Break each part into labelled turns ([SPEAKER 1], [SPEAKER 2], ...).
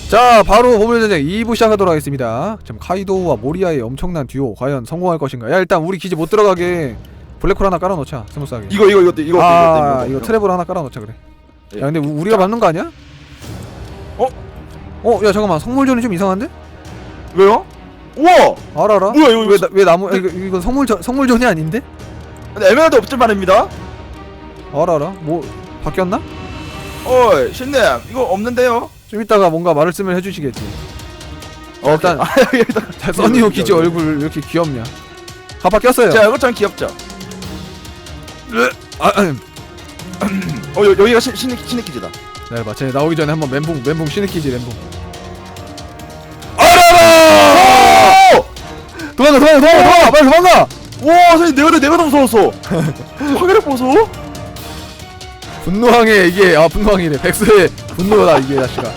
[SPEAKER 1] 자, 바로 보물전쟁 2부 시작하도록 하겠습니다. 지금 카이도우와 모리아의 엄청난 듀오 과연 성공할 것인가. 야, 일단 우리 기지 못 들어가게 블랙홀 하나 깔아놓자. 스무스하게.
[SPEAKER 2] 이거
[SPEAKER 1] 이거 트래블 하나 깔아놓자. 그래.
[SPEAKER 2] 예.
[SPEAKER 1] 야, 근데 우리가 맞는 거 아니야? 야, 잠깐만. 성물전이 좀 이상한데?
[SPEAKER 2] 왜요? 우와!
[SPEAKER 1] 알아.
[SPEAKER 2] 뭐야 이거?
[SPEAKER 1] 왜 나무? 이건 성물전이 아닌데?
[SPEAKER 2] 근데 에메랄드 없을 말입니다.
[SPEAKER 1] 알아. 뭐 바뀌었나?
[SPEAKER 2] 어이 신님 이거 없는데요?
[SPEAKER 1] 좀 이따가 뭔가 말씀을 해주시겠지. 일단
[SPEAKER 2] 일단
[SPEAKER 1] 써니오 기지 얼굴 왜 이렇게 귀엽냐? 가파 꼈어요.
[SPEAKER 2] 자 이거 참 귀엽죠? 여기가 신의 기지다.
[SPEAKER 1] 네, 봐. 쟤 나오기 전에 한번 멘붕 신의키지 멘붕. 알아라! 도망가, 빨리 도망가!
[SPEAKER 2] 와 선생님 내가 더 무서웠어. 화면을 보소?
[SPEAKER 1] 분노항해 이게 분노항이래. 백수의 분노다 이게 자식아.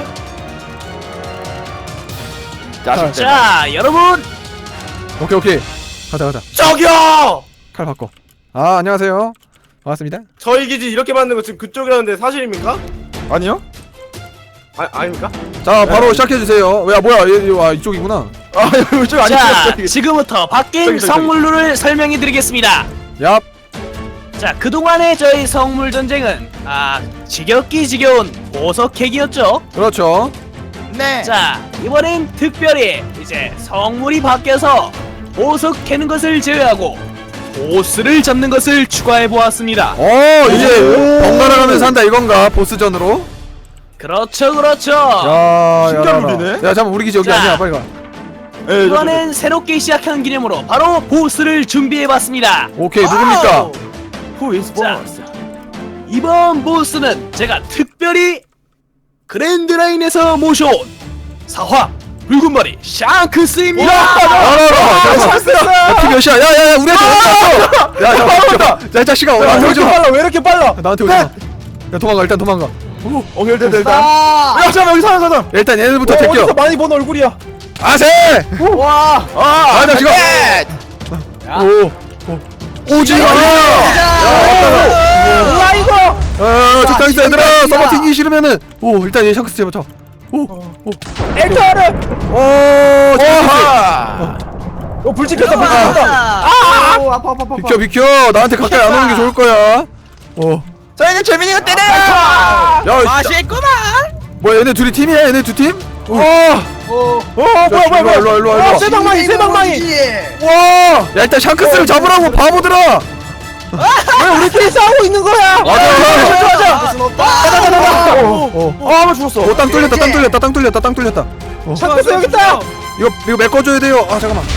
[SPEAKER 3] 자, 여러분.
[SPEAKER 1] 오케이. 가자.
[SPEAKER 3] 저기요.
[SPEAKER 1] 칼 바꿔. 아, 안녕하세요. 반갑습니다.
[SPEAKER 3] 저희 기지 이렇게 만든 거 지금 그쪽이라는데 사실입니까?
[SPEAKER 2] 아니요?
[SPEAKER 3] 아닙니까?
[SPEAKER 1] 자, 바로 시작해 주세요. 야, 뭐야? 이쪽이구나.
[SPEAKER 2] 아 이쪽 아니죠?
[SPEAKER 4] 자, 지금부터 바뀐
[SPEAKER 2] 저기.
[SPEAKER 4] 성물룰을 설명해드리겠습니다.
[SPEAKER 1] 얍.
[SPEAKER 4] 자, 그동안의 저희 성물 전쟁은 지겨운 보석 캐기였죠.
[SPEAKER 1] 그렇죠.
[SPEAKER 2] 네.
[SPEAKER 4] 자, 이번엔 특별히 이제 성물이 바뀌어서 보석 캐는 것을 제외하고 보스를 잡는 것을 추가해 보았습니다.
[SPEAKER 1] 이제 번갈아 가면서 한다 이건가? 보스전으로?
[SPEAKER 4] 그렇죠.
[SPEAKER 1] 야,
[SPEAKER 2] 신기한
[SPEAKER 1] 야,
[SPEAKER 2] 룰이네.
[SPEAKER 1] 야, 잠깐 우리 기지 여기
[SPEAKER 4] 자.
[SPEAKER 1] 아니야. 빨리 가.
[SPEAKER 4] 이번엔 새롭게 시작한 기념으로 바로 보스를 준비해 봤습니다.
[SPEAKER 1] 오케이, 누굽니까?
[SPEAKER 2] Who is
[SPEAKER 4] 자,
[SPEAKER 2] boss?
[SPEAKER 4] 이번 보스는 제가 특별히 그랜드라인에서 모셔온 사화 붉은머리 샹크스입니다.
[SPEAKER 1] 피 몇이야? 야, 우리 애들 어디 갔어? 야, 잠깐만. 야, 이 자식아, 나한테 오지 마.
[SPEAKER 2] 왜 이렇게 빨라?
[SPEAKER 1] 나한테 오지 마. 야, 도망가. 일단 도망가.
[SPEAKER 2] 오케이 일단. 야 잠깐만 여기 사람.
[SPEAKER 1] 일단 얘네부터 제껴.
[SPEAKER 2] 어디서 많이 본 얼굴이야?
[SPEAKER 1] 아세!
[SPEAKER 2] 와.
[SPEAKER 1] 아, 자식아. 오지 마.
[SPEAKER 2] 야 이거.
[SPEAKER 1] 적당히 있어 얘들아. 서버 튕기기 싫으면은. 일단 얘 샹크스 제부터.
[SPEAKER 2] 엔터를. 불 지켰다. 아파.
[SPEAKER 1] 비켜. 나한테 가까이 안 오는 게 좋을 거야.
[SPEAKER 2] 저희는 재민이가 때려요.
[SPEAKER 1] 야,
[SPEAKER 3] 맛있구만.
[SPEAKER 1] 뭐야 얘네 둘이 팀이야? 얘네 두 팀?
[SPEAKER 2] 뭐야.
[SPEAKER 1] 일로 와.
[SPEAKER 2] 세방망이.
[SPEAKER 1] 와! 야, 일단 샹크스를 잡으라고 바보들아.
[SPEAKER 2] 왜 우리끼리 싸우고 있는 거야?
[SPEAKER 1] 맞아.
[SPEAKER 2] 한번 죽었어.
[SPEAKER 1] 땅 뚫렸다.
[SPEAKER 2] 샹크스 여기 있다.
[SPEAKER 1] 이거 메꿔줘야 돼요. 아, 잠깐만.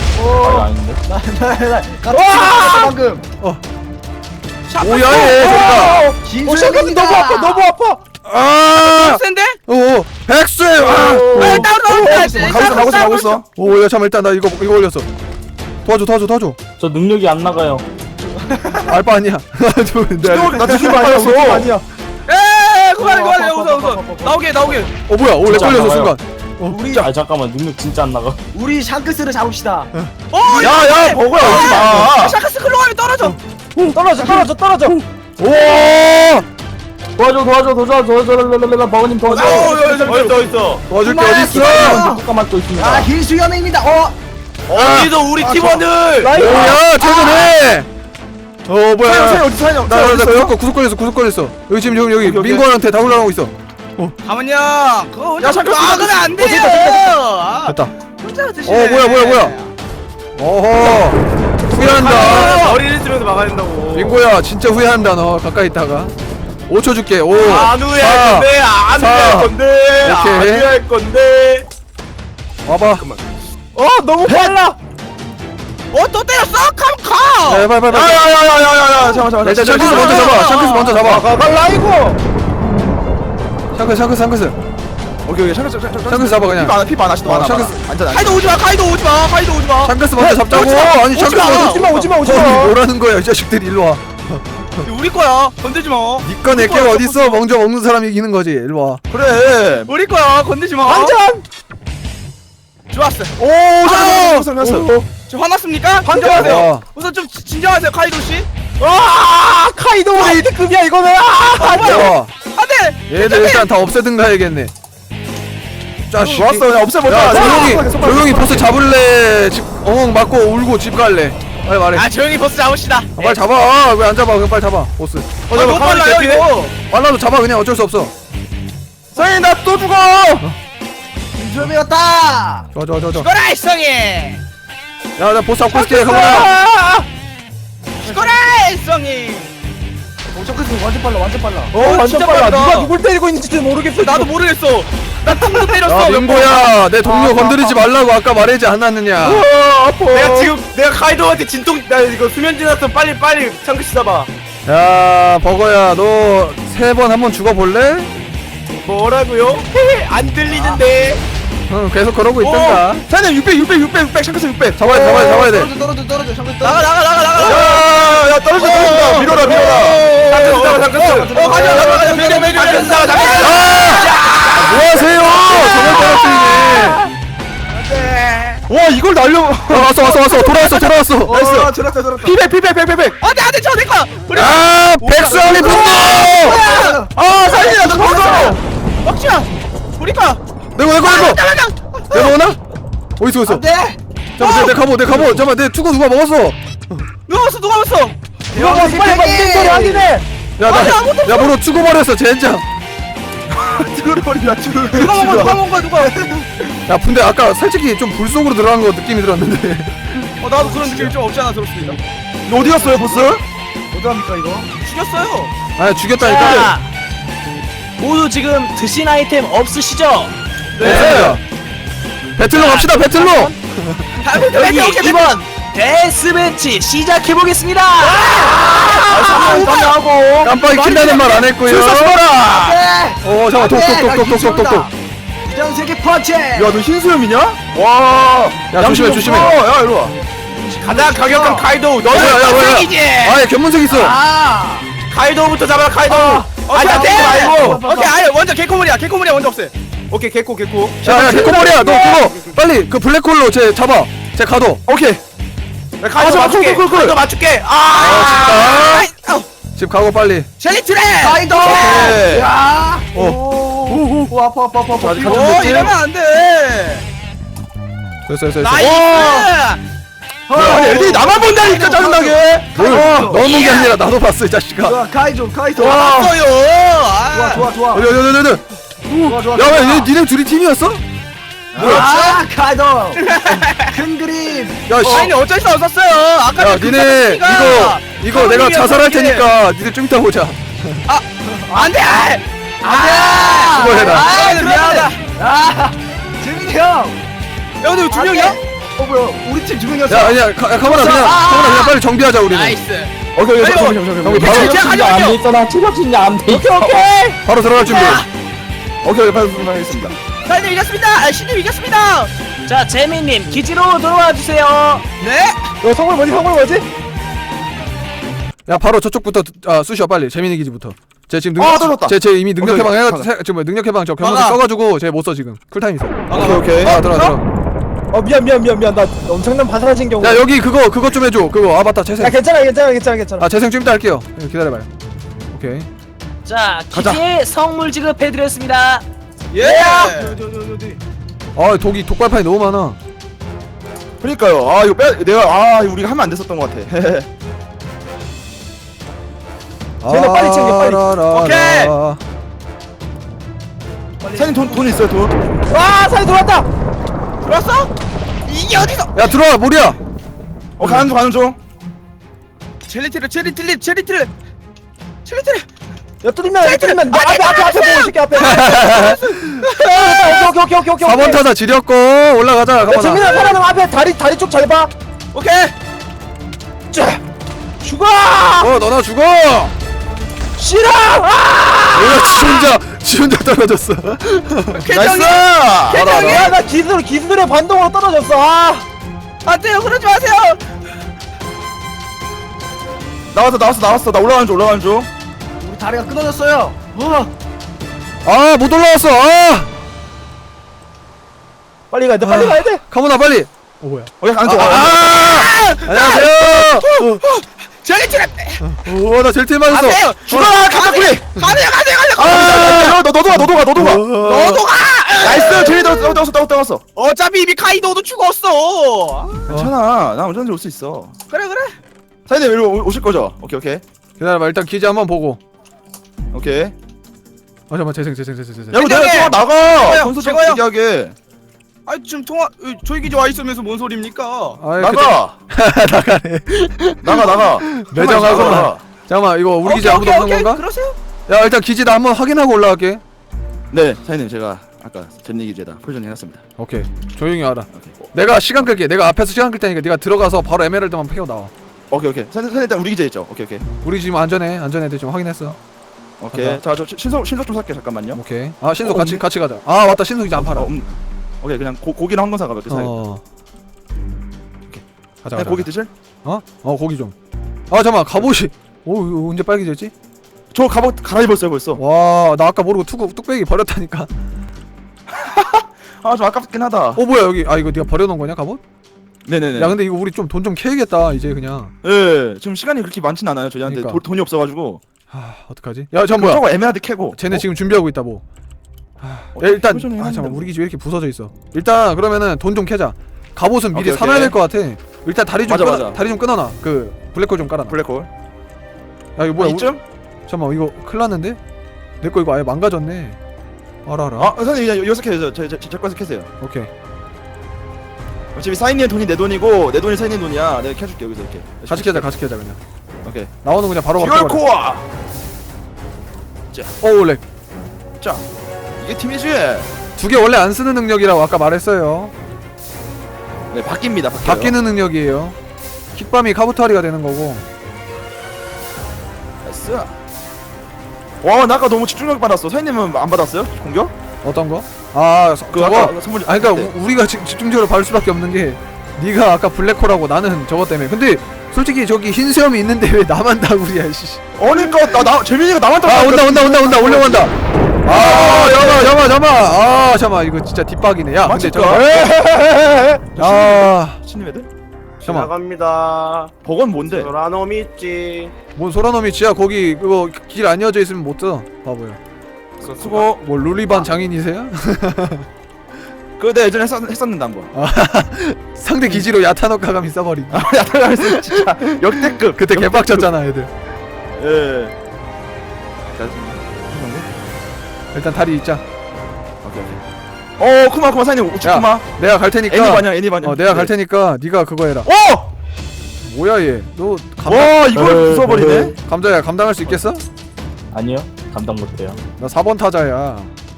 [SPEAKER 2] 방금.
[SPEAKER 1] 오야 얘.
[SPEAKER 2] 샹크스 너무 아파.
[SPEAKER 3] 센데?
[SPEAKER 1] 백수의.
[SPEAKER 2] 가고 있어.
[SPEAKER 1] 야, 잠깐 일단 나 이거 올렸어. 도와줘.
[SPEAKER 5] 저 능력이 안 나가요.
[SPEAKER 1] 알바 아니야.
[SPEAKER 2] 나 느낌 아니야.
[SPEAKER 3] 에 그만해 웃어. 나오게.
[SPEAKER 1] 뭐야? 렉 걸렸어 순간.
[SPEAKER 5] 아 잠깐만 능력 진짜 안 나가.
[SPEAKER 2] 우리 샹크스를 잡읍시다.
[SPEAKER 1] 야, 버거야 오지 마.
[SPEAKER 3] 샤크스 클로 가면 떨어져.
[SPEAKER 2] 떨어져.
[SPEAKER 1] 오!
[SPEAKER 5] 도와줘 버거님 도와줘.
[SPEAKER 3] 어딨어.
[SPEAKER 1] 도와줄게 어딨어?
[SPEAKER 5] 잠깐만 또 있습니다.
[SPEAKER 2] hil수연입니다.
[SPEAKER 3] 어디서 우리 팀원들.
[SPEAKER 1] 오야, 퇴근해. 뭐야?
[SPEAKER 2] 어디
[SPEAKER 1] 나 구속 걸렸어. 여기 지금 여기
[SPEAKER 2] 오케이.
[SPEAKER 1] 민구한테 다 올라가고 있어.
[SPEAKER 3] 가만요. 그거 혼자
[SPEAKER 2] 샤크스
[SPEAKER 3] 막으면 안 돼요.
[SPEAKER 1] 됐다.
[SPEAKER 3] 혼자 드시네.
[SPEAKER 1] 뭐야? 어허. 후회한다.
[SPEAKER 3] 머리를 쓰면서 막아야 된다고.
[SPEAKER 1] 민구야, 진짜 후회한다 너. 가까이 있다가. 5초 줄게. 5.
[SPEAKER 3] 안 후회할 건데. 안 후회할 건데. 안
[SPEAKER 1] 오케이.
[SPEAKER 3] 후회할 건데.
[SPEAKER 1] 와봐.
[SPEAKER 2] 너무 빨라.
[SPEAKER 3] 또 때렸어? 가.
[SPEAKER 1] 빨리.
[SPEAKER 2] 야야야야야야. 잠깐만.
[SPEAKER 1] 일단 샹크스 먼저 잡아.
[SPEAKER 2] 빨라 이거.
[SPEAKER 1] 샹크스.
[SPEAKER 2] 오케이. 샹크스
[SPEAKER 1] 잡아 그냥.
[SPEAKER 2] 피 많아.
[SPEAKER 1] 샹크스.
[SPEAKER 2] 앉아.
[SPEAKER 3] 카이도 오지 마.
[SPEAKER 1] 샹크스 먼저 잡자고. 아니 샹크스
[SPEAKER 2] 오지마.
[SPEAKER 1] 뭐라는 거야 이 자식들이. 일로 와.
[SPEAKER 3] 우리 거야. 건들지 마.
[SPEAKER 1] 니꺼 내꺼 어딨어? 먼저 먹는 사람이 이기는 거지. 일로 와.
[SPEAKER 2] 그래.
[SPEAKER 3] 우리 거야. 건들지 마.
[SPEAKER 2] 완전.
[SPEAKER 3] 좋았어.
[SPEAKER 2] 샹크스.
[SPEAKER 3] 지금 화났습니까?
[SPEAKER 2] 환장하세요.
[SPEAKER 1] 와.
[SPEAKER 3] 우선 좀 진정하세요, 카이도 씨.
[SPEAKER 2] 카이도 우리 1등급이야 이거는.
[SPEAKER 1] 와.
[SPEAKER 3] 안돼.
[SPEAKER 1] 얘들 일단 다 없애든가 해야겠네. 자식.
[SPEAKER 2] 좋았어 그냥 없애버려.
[SPEAKER 1] 야 조용히 보스 잡을래. 집 엉엉 맞고 울고 집 갈래. 빨리 말해.
[SPEAKER 3] 아 조용히 보스 잡읍시다.
[SPEAKER 1] 빨리 잡아. 왜 안 잡아? 그냥 빨리 잡아. 보스.
[SPEAKER 3] 너무 빨라요 이거.
[SPEAKER 1] 빨라도 잡아. 그냥 어쩔 수 없어.
[SPEAKER 2] 성현이 나 또 죽어.
[SPEAKER 3] 준비했다.
[SPEAKER 1] 좋아.
[SPEAKER 3] 죽어라 일성이.
[SPEAKER 1] 야 보스 잡고 있을게. 가만히.
[SPEAKER 3] 죽어라 일성이.
[SPEAKER 5] 완전 빨라 완전 빨라.
[SPEAKER 2] 완전
[SPEAKER 3] 진짜
[SPEAKER 2] 빨라.
[SPEAKER 3] 빠르다.
[SPEAKER 2] 누가 누굴 때리고 있는지도 모르겠어.
[SPEAKER 3] 나도 모르겠어. 나 탕도 때렸어.
[SPEAKER 1] 야 민보야, 내 동료 건드리지 말라고 아까 말하지 않았느냐?
[SPEAKER 2] 아파.
[SPEAKER 3] 내가 카이도한테 진통 나 이거 수면 지났어. 빨리 창크씨 잡아.
[SPEAKER 1] 야 버거야, 너 3번 한번 죽어볼래?
[SPEAKER 3] 뭐라고요? 안 들리는데.
[SPEAKER 1] 응, 계속 그러고 있던가.
[SPEAKER 2] 사장님 600 샹크스 600.
[SPEAKER 1] 잡아야 돼.
[SPEAKER 3] 나가.
[SPEAKER 2] 야 떨어진다. 밀어라.
[SPEAKER 3] 잠깐만. 가자.
[SPEAKER 1] 뭐하세요? 저걸 떨어뜨리네.
[SPEAKER 2] 와 이걸 날려.
[SPEAKER 1] 왔어. 돌아왔어.
[SPEAKER 2] 나이스. 피백.
[SPEAKER 3] 안돼 저 내가.
[SPEAKER 1] 아, 백성이 분노!
[SPEAKER 2] 아 사장님 나도 죽었어.
[SPEAKER 3] 막지야. 우리가.
[SPEAKER 1] 내가 내가 오나? 어딨어?
[SPEAKER 3] 안돼.
[SPEAKER 1] 잠깐만, 내 갑옷. 잠깐만, 내 투구 누가 먹었어?
[SPEAKER 3] 누가 먹었어?
[SPEAKER 2] 이거 빨리 인벤토리 확인해.
[SPEAKER 1] 야, 뭐로 투구 버렸어, 젠장.
[SPEAKER 2] 죽어버린다.
[SPEAKER 3] 누가 먹은 거야?
[SPEAKER 1] 야, 근데 아까 솔직히 좀 불속으로 들어간 거 느낌이 들었는데.
[SPEAKER 3] 나도 그런 느낌이 좀 없지 않아 들었습니다.
[SPEAKER 2] 어디 갔어요 보스?
[SPEAKER 3] 어떡합니까 이거? 죽였어요.
[SPEAKER 1] 아, 죽였다니까.
[SPEAKER 4] 자, 모두 지금 드신 아이템 없으시죠?
[SPEAKER 1] 네. 배틀로 갑시다, 배틀로.
[SPEAKER 4] 여기 이번 데스매치 시작해보겠습니다.
[SPEAKER 2] 하고.
[SPEAKER 1] 깜빡이 킨다는 말 안 했고요. 잠깐, 독.
[SPEAKER 3] 이전 세계 펀치.
[SPEAKER 2] 야너 흰수염이냐? 와.
[SPEAKER 1] 야, 조심해.
[SPEAKER 2] 야 이리 와.
[SPEAKER 3] 가장 강력한 카이도. 너는
[SPEAKER 1] 뭐야.
[SPEAKER 3] 흰색이지.
[SPEAKER 1] 아, 견문색 있어.
[SPEAKER 3] 카이도부터 잡아라 카이도.
[SPEAKER 2] 아니, 안 돼, 말고.
[SPEAKER 3] 오케이 아니 먼저 개코물이야 먼저 없애. 오케이 개코.
[SPEAKER 1] 야, 개코머리야, 너 그거 빨리 그 블랙홀로 쟤 잡아. 쟤 가둬.
[SPEAKER 2] 오케이.
[SPEAKER 3] 카이도 맞출게. 카이도 맞출게.
[SPEAKER 1] 집 가고 빨리.
[SPEAKER 3] 젤리트레. 카이도.
[SPEAKER 2] 오케이.
[SPEAKER 3] 야.
[SPEAKER 2] 오 아파.
[SPEAKER 3] 오 이러면 안 돼.
[SPEAKER 1] 됐어.
[SPEAKER 3] 나이스.
[SPEAKER 2] 아니 애들이 나만 본다니까 짜증나게.
[SPEAKER 1] 뭘, 너 보는 게 아니라 나도 봤어, 이 자식아.
[SPEAKER 3] 카이도.
[SPEAKER 2] 와.
[SPEAKER 3] 좋아.
[SPEAKER 1] 야, 왜 니네 둘이 팀이었어?
[SPEAKER 3] 카이도. 큰 그림.
[SPEAKER 1] 야, 씨.
[SPEAKER 3] 아니 어쩔 수 없었어요. 아까
[SPEAKER 1] 야, 니네 이거 내가 자살할 테니까 니네 좀 이따 보자.
[SPEAKER 3] 안돼.
[SPEAKER 1] 수고해라.
[SPEAKER 3] 미안하다. 재민이 형. 야 근데 두 명이야?
[SPEAKER 2] 뭐야? 우리 팀 2명이었어.
[SPEAKER 1] 야, 아니야, 가만아 그냥 빨리 정비하자 우리는.
[SPEAKER 3] 나이스.
[SPEAKER 2] 오케이.
[SPEAKER 1] 형이 바로
[SPEAKER 3] 제가 가져갈게요.
[SPEAKER 5] 있잖아. 체력진자 안 돼.
[SPEAKER 3] 오케이.
[SPEAKER 1] 바로 들어갈 준비.
[SPEAKER 2] 오케이 빨리 하겠습니다.
[SPEAKER 3] 사장님 이겼습니다. 신님 이겼습니다.
[SPEAKER 4] 자, 재민님 기지로 돌아와 주세요.
[SPEAKER 3] 네.
[SPEAKER 2] 너 성물 뭐지?
[SPEAKER 1] 야, 바로 저쪽부터 쑤셔 빨리. 재민이 기지부터. 쟤 지금
[SPEAKER 2] 떨어졌다.
[SPEAKER 1] 쟤 이미 능력
[SPEAKER 2] 오케이,
[SPEAKER 1] 해방 해가
[SPEAKER 2] 가자.
[SPEAKER 1] 지금 능력 해방 저 경험치
[SPEAKER 3] 막아.
[SPEAKER 1] 써가지고 쟤 못 써 지금. 쿨타임 있어.
[SPEAKER 2] 오케이.
[SPEAKER 1] 들어.
[SPEAKER 2] 미안. 나 엄청난 반사진 경우.
[SPEAKER 1] 야, 여기 그거 좀 해줘. 그거 아바타 재생.
[SPEAKER 2] 괜찮아.
[SPEAKER 1] 재생 좀 이따 할게요. 기다려봐요. 오케이.
[SPEAKER 4] 자,
[SPEAKER 2] 가자.
[SPEAKER 4] 기지에 성물 지급해드렸습니다.
[SPEAKER 3] 예.
[SPEAKER 1] 독발판이 너무 많아.
[SPEAKER 2] 그러니까요. 이거 우리가 하면 안 됐었던 것 같아. 쟤네 빨리 챙겨, 빨리.
[SPEAKER 1] 오케이.
[SPEAKER 2] 사장님 돈 있어요 돈?
[SPEAKER 5] 사이 들어왔다.
[SPEAKER 3] 들어왔어? 이게 어디서?
[SPEAKER 1] 야, 들어와 모리야.
[SPEAKER 2] 가는 중.
[SPEAKER 3] 젤리트레.
[SPEAKER 5] 야 뚫리면 앞에 보고 있을게 앞에. 오케이.
[SPEAKER 1] 4번 타자 지렸고 올라가자.
[SPEAKER 5] 야
[SPEAKER 1] 가만아.
[SPEAKER 5] 재민아 사람 앞에 다리 쪽 잘 봐.
[SPEAKER 3] 오케이.
[SPEAKER 5] 죽어.
[SPEAKER 1] 너나 죽어.
[SPEAKER 5] 싫어.
[SPEAKER 1] 뭐야, 지 혼자 떨어졌어.
[SPEAKER 2] 나이스.
[SPEAKER 5] 야나 기술의 반동으로 떨어졌어.
[SPEAKER 3] 안돼요. 그러지 마세요.
[SPEAKER 2] 나왔어. 나 올라가는 중.
[SPEAKER 3] 우리 다리가 끊어졌어요.
[SPEAKER 1] 못 올라왔어.
[SPEAKER 5] 빨리 가야 돼.
[SPEAKER 1] 가만아 빨리.
[SPEAKER 2] 오케이 가는 중.
[SPEAKER 1] 안녕하세요.
[SPEAKER 3] 젤리트레.
[SPEAKER 1] 나 제일 팀 맞았어.
[SPEAKER 3] 안돼요.
[SPEAKER 2] 죽어라 가자꾸리.
[SPEAKER 3] 가세요.
[SPEAKER 2] 너도 가.
[SPEAKER 3] 너도 가.
[SPEAKER 2] 나이스 제리 들었어. 떠갔어.
[SPEAKER 3] 어차피 이미 카이도도 죽었어.
[SPEAKER 2] 괜찮아. 나 언제든지 올 수 있어.
[SPEAKER 3] 그래.
[SPEAKER 2] 사장님 일로 오실 거죠? 오케이.
[SPEAKER 1] 기다려봐. 일단 기지 한번 보고.
[SPEAKER 2] 오케이.
[SPEAKER 1] 잠깐만 재생.
[SPEAKER 2] 야, 이거 내가
[SPEAKER 3] 회장님!
[SPEAKER 2] 나가.
[SPEAKER 3] 제가요,
[SPEAKER 2] 건설 좀
[SPEAKER 3] 제가요.
[SPEAKER 2] 얘기하게.
[SPEAKER 3] 아니 지금 저희 기지 와 있으면서 뭔 소리입니까?
[SPEAKER 1] 아이,
[SPEAKER 2] 나가.
[SPEAKER 1] 나가네.
[SPEAKER 2] 나가.
[SPEAKER 1] 매정하구만. 잠깐만 이거 우리 기지 아무도 없는 건가?
[SPEAKER 3] 그러세요?
[SPEAKER 1] 야 일단 기지 나 한번 확인하고 올라갈게.
[SPEAKER 2] 네, 사장님 제가 아까 전 얘기제다 포지션 해놨습니다.
[SPEAKER 1] 오케이 조용히 하라.
[SPEAKER 2] 오케이.
[SPEAKER 1] 내가 시간 끌게. 내가 앞에서 시간 끌 테니까 네가 들어가서 바로 에메랄드만 패고 나와.
[SPEAKER 2] 오케이. 사장님 일단 우리 기재 있죠? 오케이.
[SPEAKER 1] 우리 지금 안전해 지금 확인했어.
[SPEAKER 2] 오케이.
[SPEAKER 1] 간다.
[SPEAKER 2] 자, 저 신속 좀 살게 잠깐만요.
[SPEAKER 1] 오케이. 아 신속
[SPEAKER 2] 어,
[SPEAKER 1] 같이 가자. 아 맞다 신속 이제 안 팔아.
[SPEAKER 2] 오케이, 그냥 고기랑 한 건 사가 몇개 사요.
[SPEAKER 1] 오케이. 가자.
[SPEAKER 2] 그냥 고기 드실?
[SPEAKER 1] 고기 좀. 아 잠깐만 갑옷이. 오 이거 언제 빨개졌지?
[SPEAKER 2] 저 갑옷 갈아입었어요 벌써.
[SPEAKER 1] 와 나 아까 모르고 뚝배기 버렸다니까.
[SPEAKER 2] 아, 좀 아깝긴 하다.
[SPEAKER 1] 뭐야 여기. 아 이거 네가 버려놓은 거냐 갑옷?
[SPEAKER 2] 네네네.
[SPEAKER 1] 야 근데 이거 우리 좀 돈 좀 캐야겠다 이제 그냥.
[SPEAKER 2] 예, 지금 시간이 그렇게 많진 않아요. 저희한테
[SPEAKER 1] 그러니까.
[SPEAKER 2] 돈이 없어가지고.
[SPEAKER 1] 어떡하지? 야 잠 뭐야?
[SPEAKER 2] 저거 에메랄드 캐고.
[SPEAKER 1] 쟤네 지금 준비하고 있다 뭐. 야, 일단 잠깐 우리 기지 왜 이렇게 부서져 있어? 일단 그러면은 돈 좀 캐자. 갑옷은 미리
[SPEAKER 2] 오케이,
[SPEAKER 1] 사놔야
[SPEAKER 2] 오케이.
[SPEAKER 1] 될 것 같아. 일단 다리 좀
[SPEAKER 2] 맞아.
[SPEAKER 1] 다리 좀 끊어놔. 그 블랙홀 좀 깔아놔.
[SPEAKER 2] 블랙홀.
[SPEAKER 1] 야 이거 뭐야?
[SPEAKER 2] 이쯤?
[SPEAKER 1] 잠깐만 이거 큰일 났는데? 내 거 이거 아예 망가졌네. 알아.
[SPEAKER 2] 아, 선생님 그냥 여기서 캐세요. 제 거에서 캐세요.
[SPEAKER 1] 오케이.
[SPEAKER 2] 어차피 사인님 돈이 내 돈이고 내 돈이 사인님 돈이야. 내가 캐줄게 여기서 이렇게.
[SPEAKER 1] 같이 캐자 그냥.
[SPEAKER 2] 오케이.
[SPEAKER 1] 나오는 거 그냥 바로
[SPEAKER 2] 듀얼
[SPEAKER 1] 바꿔버려.
[SPEAKER 2] 코어.
[SPEAKER 1] 렉.
[SPEAKER 2] 자, 이게 팀이지.
[SPEAKER 1] 두 개 원래 안 쓰는 능력이라고 아까 말했어요.
[SPEAKER 2] 네, 바뀝니다.
[SPEAKER 1] 바뀌는 능력이에요. 킥밤이 카부타리가 되는 거고.
[SPEAKER 2] 나이스. 와, 나 아까 너무 집중력 받았어. 사인님은 안 받았어요? 공격?
[SPEAKER 1] 어떤 거? 아
[SPEAKER 2] 그
[SPEAKER 1] 저거?
[SPEAKER 2] 아까 선물.
[SPEAKER 1] 아니 그러니까 우리가 집중적으로 받을 수밖에 없는 게 네가 아까 블랙홀하고 나는 저거 때문에. 근데 솔직히 저기 흰 수염이 있는데 왜 나만 다구리야 씨.
[SPEAKER 2] 그러니까 나 재민이가 나만
[SPEAKER 1] 아 온다 올려온다. 아 잠깐만 이거 진짜 뒷박이네. 야 근데
[SPEAKER 2] 맞을까?
[SPEAKER 1] 아
[SPEAKER 2] 신님 애들?
[SPEAKER 1] 잠깐만
[SPEAKER 3] 나갑니다.
[SPEAKER 2] 버건 뭔데?
[SPEAKER 3] 소라놈 있지.
[SPEAKER 1] 뭔 소라놈이 지야 거기 그거 길 안 이어져 있으면 못 써. 바보야.
[SPEAKER 2] 수고.
[SPEAKER 1] 뭐 룰리반 장인이세요?
[SPEAKER 2] 그거 예전에 했었는데 한번.
[SPEAKER 1] 상대 기지로 야타노카 감이 써버린.
[SPEAKER 2] 야타가면서 진짜 역대급.
[SPEAKER 1] 그때 개빡쳤잖아 애들.
[SPEAKER 2] 예.
[SPEAKER 1] 일단 다리 있자.
[SPEAKER 2] 오케이. 쿠마 사장님 우측
[SPEAKER 1] 야,
[SPEAKER 2] 쿠마.
[SPEAKER 1] 내가 갈 테니까.
[SPEAKER 2] 애니 반영.
[SPEAKER 1] 내가 갈 테니까 네가 그거 해라.
[SPEAKER 2] 오!
[SPEAKER 1] 뭐야 얘? 너
[SPEAKER 2] 와, 이걸 부숴버리네.
[SPEAKER 1] 감자야 감당할 수 있겠어?
[SPEAKER 6] 아니요, 감당 못해요.
[SPEAKER 1] 나 4번 타자야.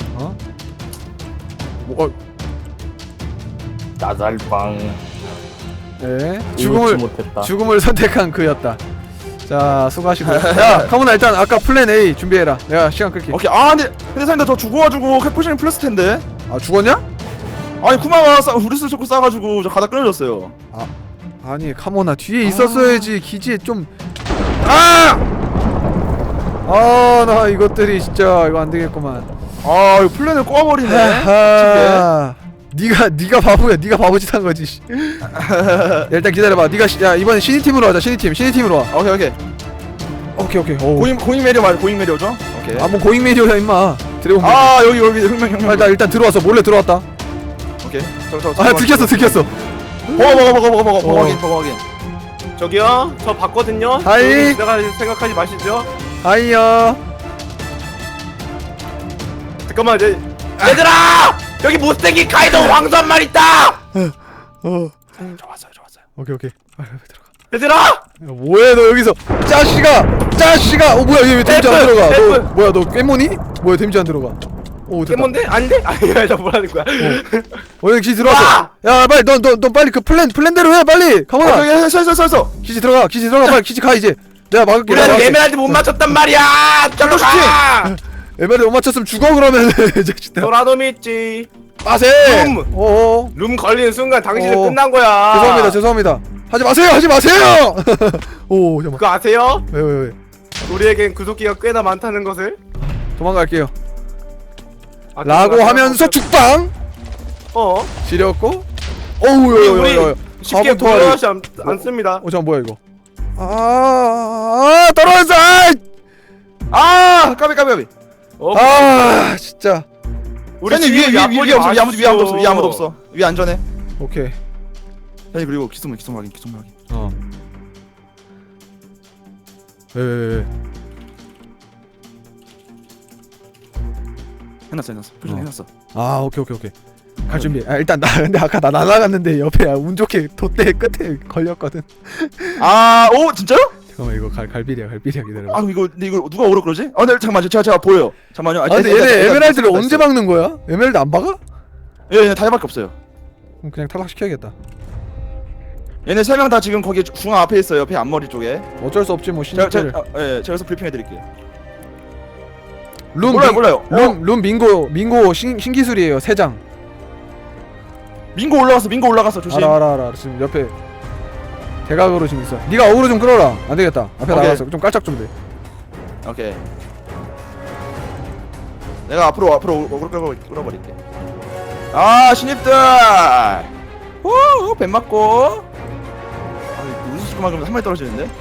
[SPEAKER 6] 나달방
[SPEAKER 1] 네.
[SPEAKER 6] 죽음을 못했다.
[SPEAKER 1] 죽음을 선택한 그였다. 자 수고하시고. 야 카모나 일단 아까 플랜 A 준비해라. 내가 시간 끌게.
[SPEAKER 2] 오케이. 근데 사장님 저 죽어가지고 포지션이 플러스 텐데.
[SPEAKER 1] 아 죽었냐?
[SPEAKER 2] 아니 쿠마가 우리스 초코 싸가지고 저 가다 끊어졌어요.
[SPEAKER 1] 아니 카모나 뒤에 있었어야지. 기지에 좀. 나 이것들이 진짜 이거 안 되겠구만.
[SPEAKER 2] 이거 플랜을 꼬아버리네.
[SPEAKER 1] 네가 바보야. 네가 바보짓 한 거지. 야, 일단 기다려봐. 야 이번엔 신이 팀으로 하자. 신이 팀으로 와. 오케이.
[SPEAKER 2] 고잉 메리오 맞아. 고잉 메리오죠? 오케이.
[SPEAKER 1] 뭐 고잉 메디어야 임마. 드래곤.
[SPEAKER 2] 여기 혁명.
[SPEAKER 1] 나 일단 들어왔어. 몰래 들어왔다.
[SPEAKER 2] 오케이.
[SPEAKER 1] 들켰어.
[SPEAKER 2] 먹어 확인.
[SPEAKER 3] 저기요, 저 봤거든요.
[SPEAKER 1] 하이.
[SPEAKER 3] 생각하지 마시죠.
[SPEAKER 1] 하이요.
[SPEAKER 3] 잠깐만, 얘들아! 여기 못생긴 카이도 왕수 한 마리 있다!
[SPEAKER 2] 좋았어요.
[SPEAKER 1] 오케이. 빨리 들어가.
[SPEAKER 3] 얘들아!
[SPEAKER 1] 야, 뭐해 너 여기서 짜씨가. 뭐야 얘 왜 데미지 안 들어가? 너
[SPEAKER 3] F.
[SPEAKER 1] 뭐야 너 깨모니? 뭐야 데미지 안 들어가? 됐다.
[SPEAKER 3] 깨몬데? 아닌데? 아니야, 나 뭐라는 거야.
[SPEAKER 1] 여기 기지 들어왔어. 야 빨리 너 빨리 그 플랜대로 해 빨리. 가만아.
[SPEAKER 2] 저기 했어.
[SPEAKER 1] 기지 들어가 빨리 기지 가 이제. 내가 막을게.
[SPEAKER 3] 우리는 에메랄드 못 맞췄단 말이야! 저로 가!
[SPEAKER 1] 에메랄드 못 맞췄으면 죽어 그러면.
[SPEAKER 3] 소라놈 있지.
[SPEAKER 1] 마세.
[SPEAKER 3] 룸! 룸 걸리는 순간 당신은
[SPEAKER 1] 어.
[SPEAKER 3] 끝난 거야.
[SPEAKER 1] 죄송합니다. 하지 마세요. 오 잠깐만.
[SPEAKER 3] 그거 아세요?
[SPEAKER 1] 왜?
[SPEAKER 3] 우리에겐 구속기가 꽤나 많다는 것을?
[SPEAKER 1] 도망갈게요.
[SPEAKER 3] 아,
[SPEAKER 1] 라고 하면서 죽방 지렸고. 어우
[SPEAKER 3] 쉽게 물러나지 않습니다.
[SPEAKER 1] 잠깐 뭐야 이거. 떨어졌어.
[SPEAKER 2] 까비.
[SPEAKER 3] 어,
[SPEAKER 1] 진짜.
[SPEAKER 2] 현이 위에 아무도 없어. 위에 아무도 없어. 위에 안전해.
[SPEAKER 1] 오케이.
[SPEAKER 2] 현이 그리고 기둥 확인.
[SPEAKER 1] 어. 에.
[SPEAKER 2] 해놨어. 표정 해놨어.
[SPEAKER 1] 아 오케이. 갈 준비. 아 일단 나 근데 아까 나 날아갔는데 옆에 운 좋게 돛대 끝에 걸렸거든.
[SPEAKER 2] 오 진짜요?
[SPEAKER 1] 잠깐만 이거 갈비리야 기다려.
[SPEAKER 2] 아 근데 이거 누가 오라 그러지? 네 잠깐만 제가 보여요. 잠깐만요.
[SPEAKER 1] 근데 얘네 에메랄드를 언제 박는 거야? 에메랄드 안 박아?
[SPEAKER 2] 얘네 다이밖에 없어요.
[SPEAKER 1] 그럼 그냥 탈락시켜야겠다.
[SPEAKER 2] 얘네 3명 다 지금 거기 중앙 앞에 있어요. 옆에 앞머리 쪽에.
[SPEAKER 1] 어쩔 수 없지 뭐
[SPEAKER 2] 제가
[SPEAKER 1] 신입들.
[SPEAKER 2] 제가 여기서 브리핑해드릴게요.
[SPEAKER 1] 룸
[SPEAKER 2] 몰라요.
[SPEAKER 1] 룸 민고 신기술이에요 3장.
[SPEAKER 2] 민고 올라갔어. 조심.
[SPEAKER 1] 알아 지금 옆에 대각으로 지금 있어. 네가 어그로 좀 끌어라. 안 되겠다. 앞에
[SPEAKER 2] 오케이.
[SPEAKER 1] 나가서 좀 깔짝 좀 돼.
[SPEAKER 2] 오케이. 내가 앞으로 끌어버릴게. 아 신입들. 뱀 맞고. 아 우수수만 그러면 한 마리 떨어지는데.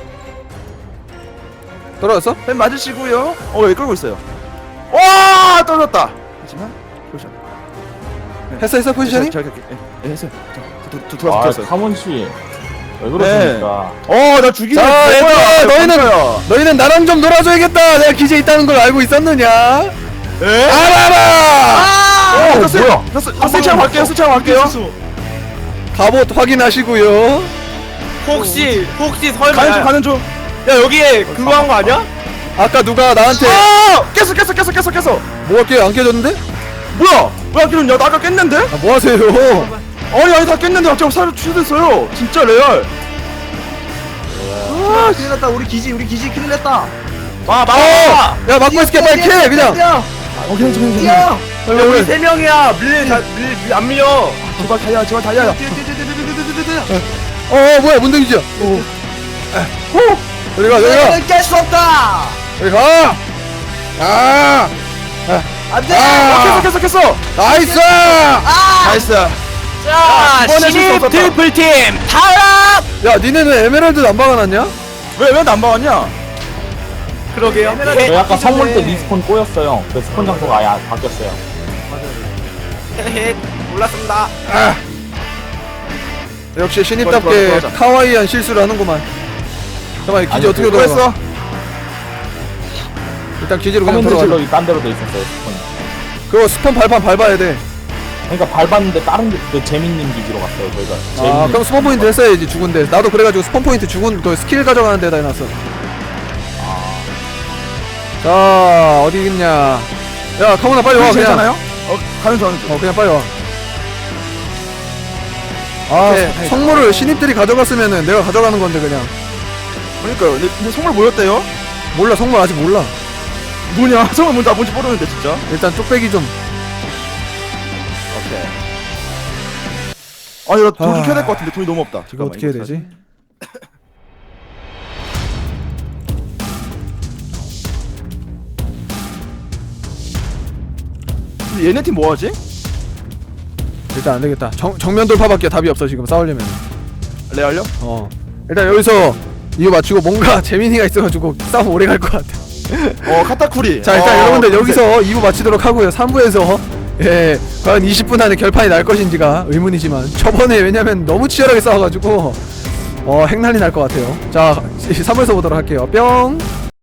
[SPEAKER 1] 떨어졌어?
[SPEAKER 2] 뱀 맞으시고요. 왜 끌고 있어요? 와 떨어졌다. 하지만 포지션.
[SPEAKER 1] 했어 포지션이?
[SPEAKER 2] 예 했어요. 들어와서
[SPEAKER 6] 아
[SPEAKER 2] 뛰었어요.
[SPEAKER 6] 카몬 씨. 왜 그러십니까?
[SPEAKER 2] 나 죽이네.
[SPEAKER 1] 자 얘들아 너희는 나랑 좀 놀아줘야겠다. 내가 기지에 있다는 걸 알고 있었느냐?
[SPEAKER 2] 예?
[SPEAKER 1] 알아.
[SPEAKER 2] 뭐야? 스창 갈게요.
[SPEAKER 1] 갑옷 확인하시고요.
[SPEAKER 3] 혹시 설마
[SPEAKER 2] 가는 중.
[SPEAKER 3] 야 여기에 그거 한 거 아니야?
[SPEAKER 1] 아까 누가 나한테
[SPEAKER 2] 깼어.
[SPEAKER 1] 뭐가 안 깨졌는데?
[SPEAKER 2] 뭐야? 왜 안 깨졌냐? 나 아까 깼는데?
[SPEAKER 1] 아, 뭐 하세요?
[SPEAKER 2] 아니 다 깼는데 갑자기 살을 취소됐어요. 진짜 레알.
[SPEAKER 5] 큰일 났다. 우리 기지 큰일 났다.
[SPEAKER 1] 야 막고 있을게 빨리 캐 그냥.
[SPEAKER 5] 뛰어.
[SPEAKER 3] 우리 3명이야. 밀 안 밀려.
[SPEAKER 2] 제발 달려.
[SPEAKER 1] 뭐야 문대기지야. 여기 가.
[SPEAKER 5] 깰수 없다.
[SPEAKER 1] 여기 가.
[SPEAKER 5] 안돼.
[SPEAKER 2] 깼어.
[SPEAKER 1] 나이스.
[SPEAKER 2] 나이스.
[SPEAKER 4] 자,
[SPEAKER 2] 이번에 실수
[SPEAKER 4] 신입
[SPEAKER 2] 없었다.
[SPEAKER 4] 트리플팀 탈락!
[SPEAKER 1] 야 니네는 에메랄드 안 박아놨냐?
[SPEAKER 2] 왜 안 박았냐?
[SPEAKER 3] 그러게요.
[SPEAKER 6] 저희 아까 선물 때 리스폰 꼬였어요. 그 스폰 장소가 아예 바뀌었어요.
[SPEAKER 3] 몰랐습니다.
[SPEAKER 1] 역시 신입답게
[SPEAKER 2] 좋아.
[SPEAKER 1] 카와이한 실수를 하는구만. 잠깐만 기지
[SPEAKER 6] 아니,
[SPEAKER 1] 어떻게
[SPEAKER 6] 그거
[SPEAKER 1] 돌아가? 일단 기지로 그냥
[SPEAKER 6] 커맨드
[SPEAKER 1] 들어가.
[SPEAKER 6] 질럿이 딴 데로 돼 있었어요. 스폰.
[SPEAKER 1] 그거 스폰 발판 밟아야 돼.
[SPEAKER 6] 그러니까 밟았는데 다른 그 재밌는 기지로 갔어요. 저희가.
[SPEAKER 1] 아 그럼 스폰 포인트 했어야지 죽은데. 나도 그래가지고 스폰 포인트 죽은 그 스킬 가져가는 데다 해놨어. 자 어디 있냐? 야 카모나 빨리 와 그냥.
[SPEAKER 2] 괜찮아요? 가는 중.
[SPEAKER 1] 그냥 빨리 와. 아
[SPEAKER 2] 오케이.
[SPEAKER 1] 성물을 신입들이 가져갔으면은 내가 가져가는 건데 그냥.
[SPEAKER 2] 그러니까요. 근데 선물 뭐였대요?
[SPEAKER 1] 몰라 성물 아직 몰라.
[SPEAKER 2] 뭐냐? 선물 뭔지 모르는데 진짜.
[SPEAKER 1] 일단 뚝배기 좀.
[SPEAKER 2] 오케이. 아니 나 돈 좀
[SPEAKER 1] 아.
[SPEAKER 2] 켜야 될 것 같은데 돈이 너무 없다.
[SPEAKER 1] 이거
[SPEAKER 2] 잠깐만,
[SPEAKER 1] 어떻게 해야
[SPEAKER 2] 이거
[SPEAKER 1] 되지?
[SPEAKER 2] 근데 얘네 팀 뭐하지?
[SPEAKER 1] 일단 안 되겠다. 정면 돌파밖에 답이 없어 지금 싸우려면.
[SPEAKER 2] 레알요?
[SPEAKER 1] 일단 여기서 이거 맞추고 뭔가 재민이가 있어가지고 싸움 오래 갈 것 같아.
[SPEAKER 2] 카타쿠리.
[SPEAKER 1] 자 일단 여러분들 여기서 2부 마치도록 하고요. 3부에서 과연 20분 안에 결판이 날 것인지가 의문이지만 저번에 왜냐면 너무 치열하게 싸워가지고 핵난리 날 것 같아요. 자 3부에서 보도록 할게요. 뿅.